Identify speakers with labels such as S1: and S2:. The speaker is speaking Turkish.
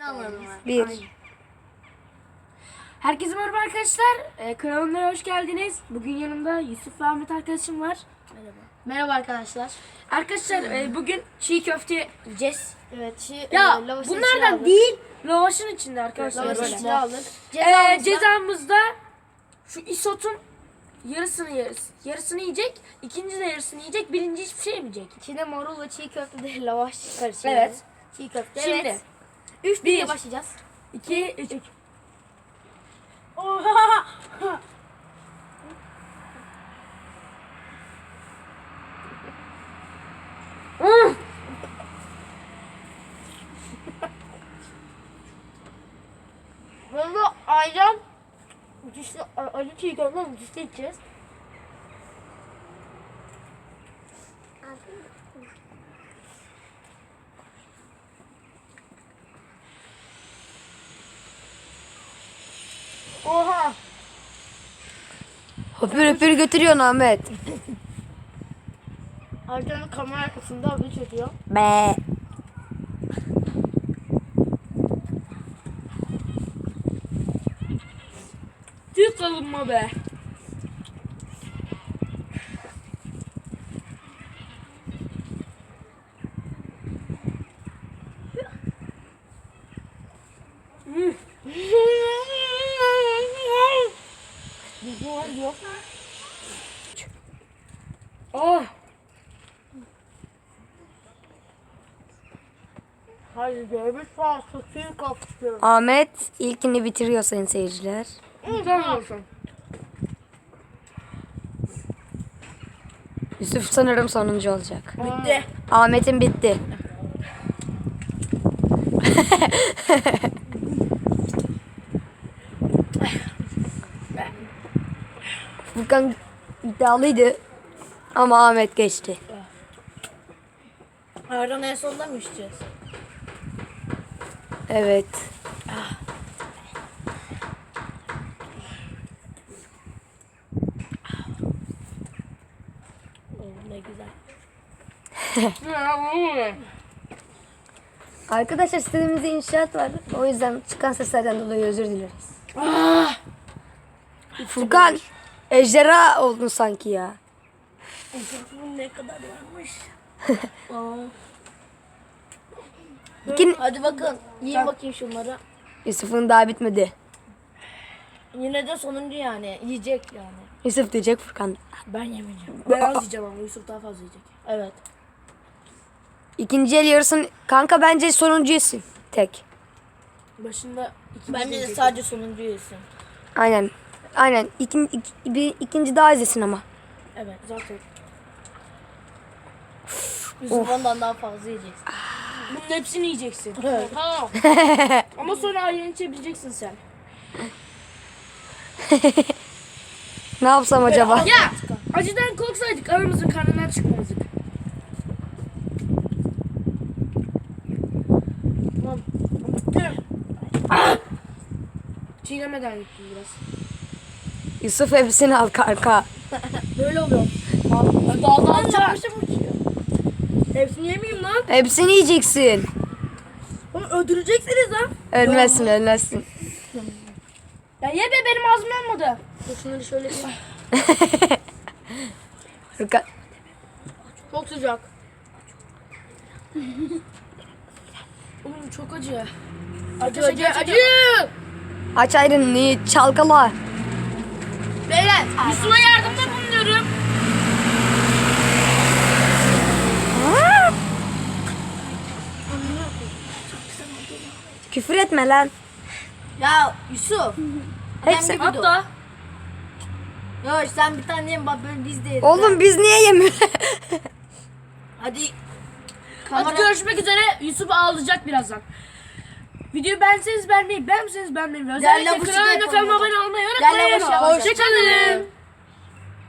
S1: Bir.
S2: Herkese merhaba arkadaşlar. Kanalıma hoş geldiniz. Bugün yanımda Yusuf ve Ahmet arkadaşım var.
S3: Merhaba. Merhaba arkadaşlar.
S2: Arkadaşlar bugün çiğ köfte yiyeceğiz.
S3: Evet,
S2: Ya bunlardan değil, lavaşın içinde arkadaşlar.
S3: Lavaşın
S2: böyle.
S3: içine aldık.
S2: Cezamızda şu isotun yarısını yiyecek, ikinci de yarısını yiyecek, birinci hiçbir şey yemeyecek.
S3: İçine marul ve çiğ köfte de lavaş karışıyor.
S2: Evet.
S3: Çiğ köfte.
S2: Şimdi
S3: Evet. 3 diye başlayacağız.
S2: 2 3
S3: Böyle ayran müthişli, acı çiğ köfte müthişli içeceğiz. Oha!
S1: Höpür höpür götürüyorsun Ahmet.
S3: Ayranın kamera arkasında abi çekiyor.
S1: Be.
S2: Tüh kalınma be.
S3: Yok.
S2: Oh.
S3: Hayır, görmüş fazla suyu kapatıyor.
S1: Ahmet ilkini bitiriyor sayın seyirciler.
S2: Tamam olsun.
S1: Yusuf sanırım sonuncu olacak.
S2: Bitti.
S1: Ahmet'in bitti. Furkan iddialıydı ama Ahmet geçti.
S3: Ayran en sonunda mı içeceğiz?
S1: Evet.
S3: Ne güzel.
S1: Arkadaşlar sitemizde inşaat var. O yüzden çıkan seslerden dolayı özür dileriz. Furkan ejderha oldun sanki ya.
S3: Bunun ne kadar varmış?
S1: İkin...
S3: Hadi bakın, yiyin bakayım şunları.
S1: Yusuf'un daha bitmedi.
S3: Yine de sonuncu yani, yiyecek yani.
S1: Yusuf diyecek Furkan.
S3: Ben yemeyeceğim.
S2: Ben az yiyeceğim ama Yusuf daha fazla yiyecek.
S3: Evet.
S1: İkinci el yarısın. Kanka bence sonuncu yesin. Tek.
S2: Başında
S3: Bence de sadece sonuncu yesin.
S1: Aynen. Aynen. İkinci daha izlesin ama.
S3: Evet.
S2: zaten.
S3: Yusuf ondan daha fazla yiyeceksin.
S2: Bunun hepsini yiyeceksin.
S3: Evet.
S2: Ha. Ama sonra ayran içebileceksin sen.
S1: Ne yapsam acaba?
S2: Ya acıdan korksaydık aramızın karnından çıkmazdık. Tamam. Çiğnemeden gittim biraz.
S1: Yusuf hepsini al kanka.
S2: Böyle oluyor. Daha çarpmışım uçuyor. Hepsini yemeyeyim lan.
S1: Hepsini yiyeceksin.
S2: Oğlum öldüreceksiniz lan.
S1: Ölmezsin ölmezsin.
S2: Ya ye be benim ağzım yanmadı.
S3: Dur şunları şöyle bir...
S1: Furkan.
S2: Çok sıcak. Oğlum çok acı. Acı.
S1: Aç ayrını çalkala.
S2: Beyler Yusuf'a yardımda bulunuyorum.
S1: Küfür etme lan.
S3: Ya Yusuf.
S1: Hepsi.
S2: Hatta
S3: Ya sen bir tane yem bak böyle biz de yeriz.
S1: Oğlum biz niye yemiyoruz?
S3: Hadi.
S2: hadi görüşmek üzere. Yusuf ağlayacak birazdan. Videoyu beğenseniz beğenmeyi, beğenmeseniz beğenmeyi. Özellikle
S3: Değerli
S2: kanalıma
S3: yapalım.
S2: kanalıma abone olmayı
S3: Değerli
S2: unutmayın.
S3: yapalım.
S2: Hoşçakalın.